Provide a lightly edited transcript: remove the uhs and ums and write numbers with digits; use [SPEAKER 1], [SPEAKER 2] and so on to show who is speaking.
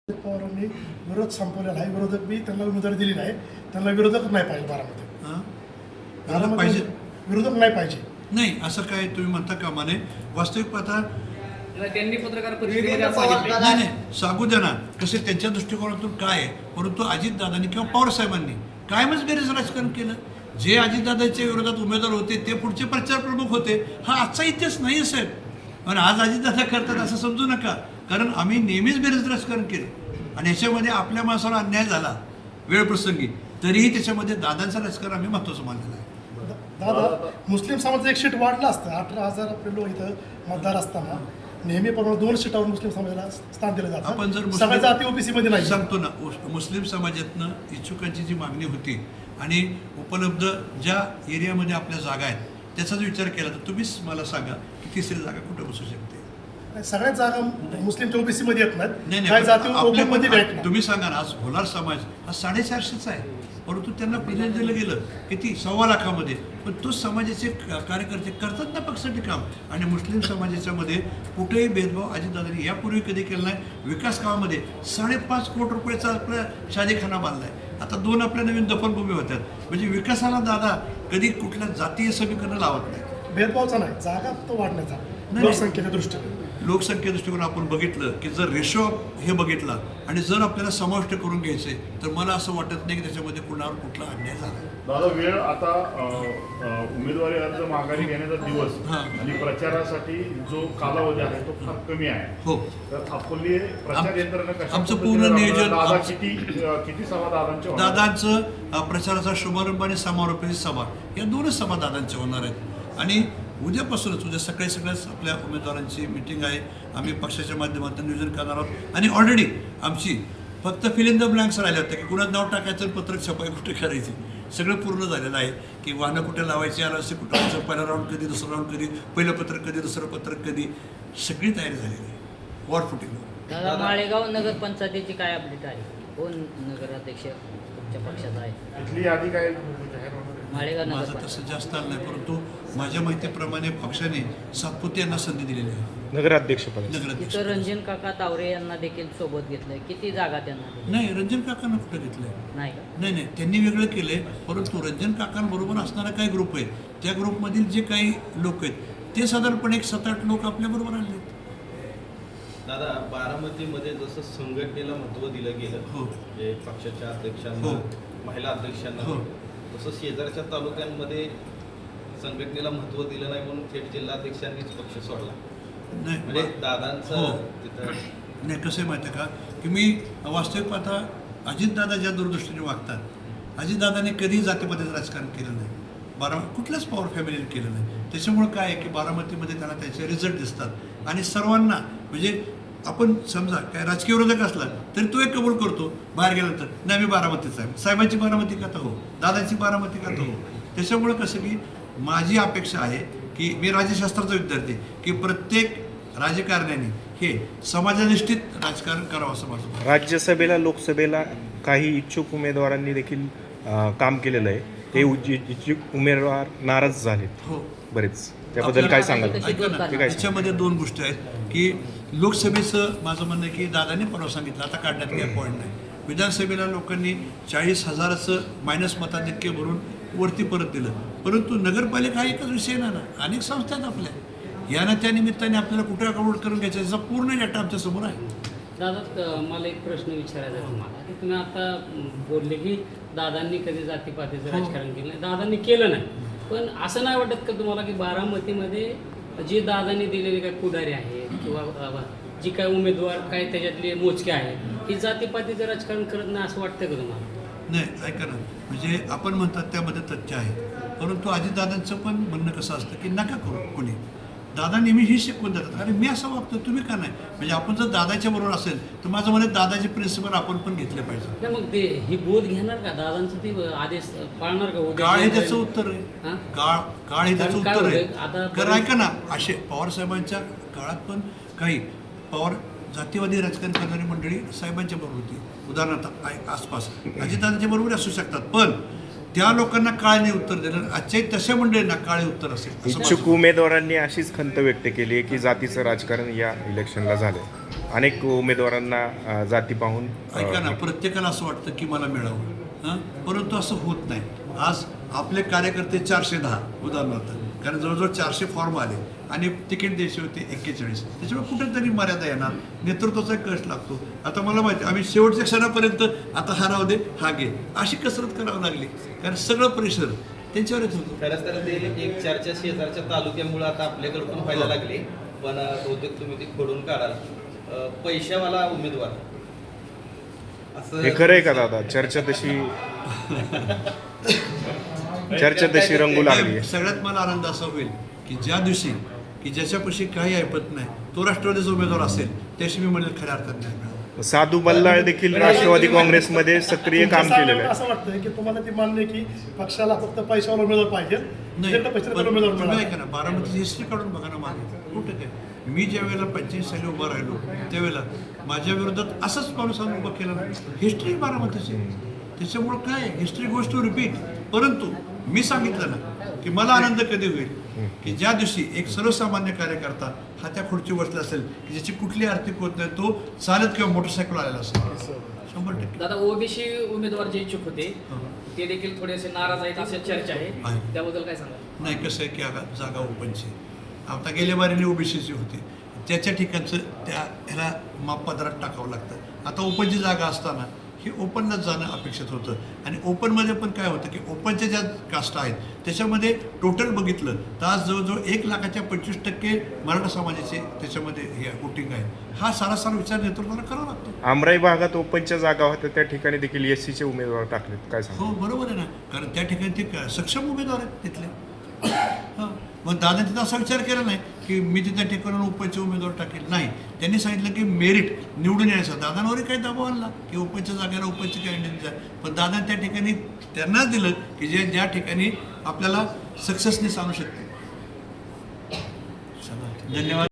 [SPEAKER 1] पवारांनी विरोध संपवलेला आहे. विरोधक बी त्यांना उमेदवारी दिली नाही. त्यांना विरोधक नाही पाहिजे
[SPEAKER 2] पाहिजे
[SPEAKER 1] विरोधक नाही पाहिजे.
[SPEAKER 2] नाही असं काय तुम्ही म्हणता कामा नये. वास्तविक पाहता
[SPEAKER 3] त्यांनी पत्रकार परिषदेमध्ये असं सांगितलं.
[SPEAKER 2] नाही सांगू द्या ना कसे त्यांच्या दृष्टिकोनातून काय आहे. परंतु अजितदादांनी किंवा पवार साहेबांनी कायमच बेरेज राजकारण केलं. जे अजितदादांच्या विरोधात उमेदवार होते ते पुढचे प्रचार प्रमुख होते. हा आजचा इतिहास नाही साहेब. आणि आज अजितदादा करतात असं समजू नका. कारण आम्ही नेहमीच बेरेज राजकारण केलं आणि याच्यामध्ये आपल्या माणसाला अन्याय झाला वेळप्रसंगी तरीही त्याच्यामध्ये दादांचं राजकारण आम्ही महत्त्वाचं मानलेलं आहे.
[SPEAKER 1] दादा मुस्लिम समाजाचं एक सीट वाढलं असतं. 18,000 आपले लोक इथं मतदार असताना नेहमीप्रमाणे 2 सीटावर मुस्लिम समाजाला स्थान दिलं जातं.
[SPEAKER 2] आपण जर
[SPEAKER 1] सगळ्या जाती ओबीसी मध्ये नाही.
[SPEAKER 2] सांगतो ना मुस्लिम समाजातनं इच्छुकांची जी मागणी होती आणि उपलब्ध ज्या एरियामध्ये आपल्या जागा आहेत त्याचा जर विचार केला तर तुम्हीच मला सांगा की तिसरी जागा कुठं बसू शकते.
[SPEAKER 1] सगळ्याच जागा मुस्लिमच्या ओबीसी मध्ये येत नाहीत.
[SPEAKER 2] नाही
[SPEAKER 1] काही जाती
[SPEAKER 2] आपल्या
[SPEAKER 1] मध्ये भेटणार.
[SPEAKER 2] तुम्ही सांगा ना आज भोलार समाज हा 450चा आहे. परंतु त्यांना प्रतिनिधी दिलं गेलं किती 1.25 लाखामध्ये. पण तो समाजाचे कार्यकर्ते करतात ना पक्षासाठी काम. आणि मुस्लिम समाजाच्या मध्ये कुठेही भेदभाव अजितदादांनी यापूर्वी कधी केला नाही. विकास कामामध्ये 5.5 कोटी रुपयाचा आपल्या शादेखाना बांधलाय. आता 2 आपल्या नवीन दफनभूमी होत्यात. म्हणजे विकासाला दादा कधी कुठल्या जातीय समीकरण लावत नाही.
[SPEAKER 1] भेदभावचा नाही जागा तो वाढण्याचा लोकसंख्येच्या दृष्टीने.
[SPEAKER 2] लोकसंख्ये दृष्टिकोन आपण बघितलं की जर रेशो हे बघितला आणि जर आपल्याला समाविष्ट करून घ्यायचे तर मला असं वाटत नाही की त्याच्यामध्ये कुणावर कुठला अन्याय झाला.
[SPEAKER 4] दादा वेळ आता उमेदवारी अर्ज माघारी घेण्याचा दिवस आणि प्रचारासाठी जो कालावधी आहे तो फार कमी आहे.
[SPEAKER 2] हो
[SPEAKER 4] तर आपली प्रचार यंत्रणा कशा
[SPEAKER 2] आमचं पूर्ण नियोजन
[SPEAKER 4] दादा किती सभा दादांच्या
[SPEAKER 2] दादांचं प्रचाराचा शुभारंभ आणि समारोपाची सभा या 2च सभा दादांच्या होणार आहेत. आणि उद्यापासूनच उद्या सगळ्याच आपल्या उमेदवारांची मिटिंग आहे. आम्ही पक्षाच्या माध्यमातून नियोजन करणार आहोत. आणि ऑलरेडी आमची फक्त फिल इन द ब्लँक्स राहिल्या होत्या की कुणाचं नाव टाकायचं पत्रक छपाई कुठे करायची सगळं पूर्ण झालेलं आहे. की वाहनं कुठे लावायची आलं असे कुठं पहिला राऊंड कधी दुसरा राऊंड कधी पहिलं पत्रक कधी दुसरं पत्रक कधी सगळी तयारी झालेली आहे. War footing.
[SPEAKER 3] दादा माळेगाव नगरपंचायतीची काय अपडेट आहे. कोण नगराध्यक्ष तुमच्या पक्षाचा आहे.
[SPEAKER 4] इथली यादी काय जाहीर होणार आहे?
[SPEAKER 3] माळेगाव
[SPEAKER 2] माझं
[SPEAKER 3] नगरपंचायत
[SPEAKER 2] तसं जास्त आलं नाही. परंतु माझ्या माहितीप्रमाणे पक्षाने सातपुते यांना संधी दिलेली आहे
[SPEAKER 5] नगराध्यक्षपद.
[SPEAKER 2] नगराध्यक्ष.
[SPEAKER 3] तिथं रणजित काका तावरे यांना देखील सोबत घेतलंय. किती जागा त्यांना दिल्या?
[SPEAKER 2] नाही रंजन काकांना कुठं घेतलंय.
[SPEAKER 3] नाही का?
[SPEAKER 2] नाही त्यांनी वेगळं केलंय. परंतु रंजन काकांबरोबर असणारा काही ग्रुप आहे त्या ग्रुपमधील जे काही लोक आहेत ते साधारणपणे एक 7-8 लोक आपल्याबरोबर आले.
[SPEAKER 6] दादा बारामतीमध्ये जसं संघटनेला महत्त्व दिलं गेलं
[SPEAKER 2] हो
[SPEAKER 6] म्हणजे पक्षाच्या अध्यक्षांना
[SPEAKER 2] हो.
[SPEAKER 6] महिला अध्यक्षांना
[SPEAKER 2] हो.
[SPEAKER 6] तसं शेजारच्या तालुक्यांमध्ये संघटनेला महत्त्व दिलं नाही म्हणून थेट जिल्हाध्यक्षांनीच पक्ष सोडला. म्हणजे
[SPEAKER 2] नाही
[SPEAKER 6] दादांचं
[SPEAKER 2] हो.
[SPEAKER 6] तिथं
[SPEAKER 2] नाही कसं आहे माहिती आहे का की मी वास्तविक पाहता अजितदादा ज्या दूरदृष्टीने वागतात अजितदादाने कधीही जातीपातीचं राजकारण केलं नाही. कुठल्याच पॉवर फॅमिलीने केलं नाही. त्याच्यामुळं काय आहे की बारामतीमध्ये त्यांना त्याचे रिझल्ट दिसतात. आणि सर्वांना म्हणजे आपण समजा काय राजकीय विरोधक असला तरी तो एक कबूल करतो बाहेर गेल्यानंतर नाही मी बारामतीचा आहे. साहेबांची बारामती का तर हो दादाची बारामती का तर हो. त्याच्यामुळं कसं की माझी अपेक्षा आहे की मी राज्यशास्त्राचा विद्यार्थी की प्रत्येक राजकारण्याने हे समाजनिष्ठित राजकारण करावं असं माझं मत.
[SPEAKER 5] राज्यसभेला लोकसभेला काही इच्छुक उमेदवारांनी देखील काम केलेलं आहे. ते इच्छुक उमेदवार नाराज झालेत
[SPEAKER 2] हो
[SPEAKER 5] बरेच. त्याबद्दल काय सांगाल?
[SPEAKER 2] ऐका ना त्याच्यामध्ये 2 गोष्टी आहेत की लोकसभेचं माझं म्हणणं आहे की दादाने परवा सांगितलं आता काढण्यात काही पॉईंट नाही. विधानसभेला लोकांनी 40,000चं मायनस मताधिक्य भरून वरती परत दिलं. परंतु नगरपालिका हा एकच विषय नाही ना अनेक संस्था आहेत आपल्या. या ना त्या निमित्ताने आपल्याला कुठे अकाउंट करून घ्यायचा याचा पूर्ण डेटा आमच्या समोर आहे.
[SPEAKER 7] दादा मला एक प्रश्न विचारायचा आहे तुम्हाला की तुम्ही आता बोलले की दादांनी कधी जातीपातीचं राजकारण केलं नाही. दादांनी केलं नाही. पण असं नाही वाटत का तुम्हाला की बारामतीमध्ये जे दादांनी दिलेले काय पुढारी आहेत किंवा जी काय उमेदवार काय त्याच्यातले मोजके आहेत की जातीपातीचं राजकारण करत नाही असं वाटतं का तुम्हाला?
[SPEAKER 2] नाही ऐका ना म्हणजे आपण म्हणतात त्यामध्ये तथ्य आहे. परंतु अजितदादांचं पण म्हणणं कसं असतं की नका करू कोणी. दादा नेहमी ही शिकवून देतात अरे मी असं वागतो तुम्ही का नाही. म्हणजे आपण जर दादाच्या बरोबर असेल तर माझं म्हणत दादाचे प्रिन्सिपल आपण पण घेतले पाहिजे.
[SPEAKER 7] नाही मग ते ही बोध घेणार का दादांचं ते आदेश पाळणार का?
[SPEAKER 2] काळ हे त्याचं उत्तर आहे. काळ हे त्याचं उत्तर आहे. कारण ऐका ना असे पवार साहेबांच्या काळात पण काही पवार जातीवादी राजकारण करणारी मंडळी साहेबांच्या बरोबर होती. उदाहरणार्थ आसपास अजितदादांच्या बरोबर असू शकतात. पण त्या लोकांना काळने उत्तर दिलं. आजच्याही तशा मंडळींना काळे उत्तर असेल.
[SPEAKER 5] इच्छुक उमेदवारांनी अशीच खंत व्यक्त केली आहे की जातीचं राजकारण या इलेक्शनला झालं. अनेक उमेदवारांना जाती पाहून
[SPEAKER 2] ऐका ना, प्रत्येकाला असं वाटतं की मला मिळावं, हां, परंतु असं होत नाही. आज आपले कार्यकर्ते 410 उदाहरणार्थ, कारण जवळजवळ 400 फॉर्म आले आणि तिकीट द्यायचे होते 41. त्याच्यामुळे कुठेतरी मर्यादा येणार, नेतृत्वाचा कष्ट लागतो. आता मला माहिती, आम्ही शेवटच्या क्षणापर्यंत आता हा राहू दे, हा घे, अशी कसरत करावी लागली, कारण सगळं प्रेशर त्यांच्यावर येत होतं.
[SPEAKER 6] खरंच तर ते एक चर्चा शेजारच्या तालुक्यामुळे आता आपल्याकडे पण व्हायला लागली, पण बहुतेक तुम्ही ती खोडून काढाल. पैशावाला उमेदवार असं
[SPEAKER 5] हे खरं आहे का दादा? चर्चा तशी रंगू लागली आहे.
[SPEAKER 2] सगळ्यात मला आनंद असा होईल की ज्या दिवशी की ज्याच्यापाशी काही ऐपत नाही तो राष्ट्रवादीचा उमेदवार असेल, त्याशी मी म्हणेल खऱ्या अर्थात नाही मिळालं.
[SPEAKER 5] साधू बल्लाळ देखील राष्ट्रवादी काँग्रेसमध्ये सक्रिय काम केलेलं आहे.
[SPEAKER 1] असं वाटतं की तुम्हाला ती मान्य की पक्षाला फक्त पैशावर उमेदवार पाहिजे, ज्यांना पैशाला
[SPEAKER 2] पण
[SPEAKER 1] उमेदवार
[SPEAKER 2] तुम्ही
[SPEAKER 1] मिळाला.
[SPEAKER 2] ऐका ना, बारामतीची हिस्ट्री काढून बघा ना मागे, कुठं काय मी ज्या वेळेला 85 साली उभा राहिलो त्यावेळेला माझ्या विरोधात असंच माणूस आम्ही उभा केला नाही. हिस्ट्री बारामतीची, त्याच्यामुळं काय हिस्ट्री गोष्ट टू रिपीट. परंतु मी सांगितलं ना की मला आनंद कधी होईल की ज्या दिवशी एक सर्वसामान्य कार्यकर्ता हा त्या खुर्ची बसला असेल की ज्याची कुठली आर्थिक होत नाही, तो चालत किंवा मोटरसायकल आलेला असेल. 100%.
[SPEAKER 8] दादा, ओबीसी उमेदवार जे इच्छुक होते ते देखील थोडेसे नाराज आहेत अशी चर्चा आहे, त्याबद्दल काय सांगा?
[SPEAKER 2] नाही, कसं आहे की आता जागा ओपनची, आता गेल्या बारीने ओबीसीची होती, त्याच्या ठिकाणचं त्या ह्याला मापपत्रात टाकावं लागतं. आता ओपनची जागा असताना हे ओपनलाच जाणं अपेक्षित होतं. आणि ओपनमध्ये पण काय होतं की ओपनच्या ज्या कास्ट आहेत त्याच्यामध्ये टोटल बघितलं तर आज जवळजवळ 1,25% मराठा समाजाचे त्याच्यामध्ये हे वोटिंग आहे. हा सारासार विचार नेतृत्वाला करावा लागतो.
[SPEAKER 5] आमराई भागात ओपनच्या जागा होत्या, त्या ठिकाणी देखील SCचे उमेदवार टाकलेत, काय सांगा?
[SPEAKER 2] हो, बरोबर आहे ना, कारण त्या ठिकाणी ते सक्षम उमेदवार आहेत तिथले. हां, मग दादा तिथं असा विचार केला नाही की मी तिथल्या ठिकाणी ओपनचे उमेदवार टाकेल. नाही, त्यांनी सांगितलं की मेरिट निवडून यायचं. दादांवरही काही दबाव आणला की ओपनच्या जागेला ओपनचे कॅन्डिडेट द्या, पण दादा त्या ठिकाणी त्यांनाच दिलं की ज्या ठिकाणी आपल्याला सक्सेसनेस आणू शकते. धन्यवाद.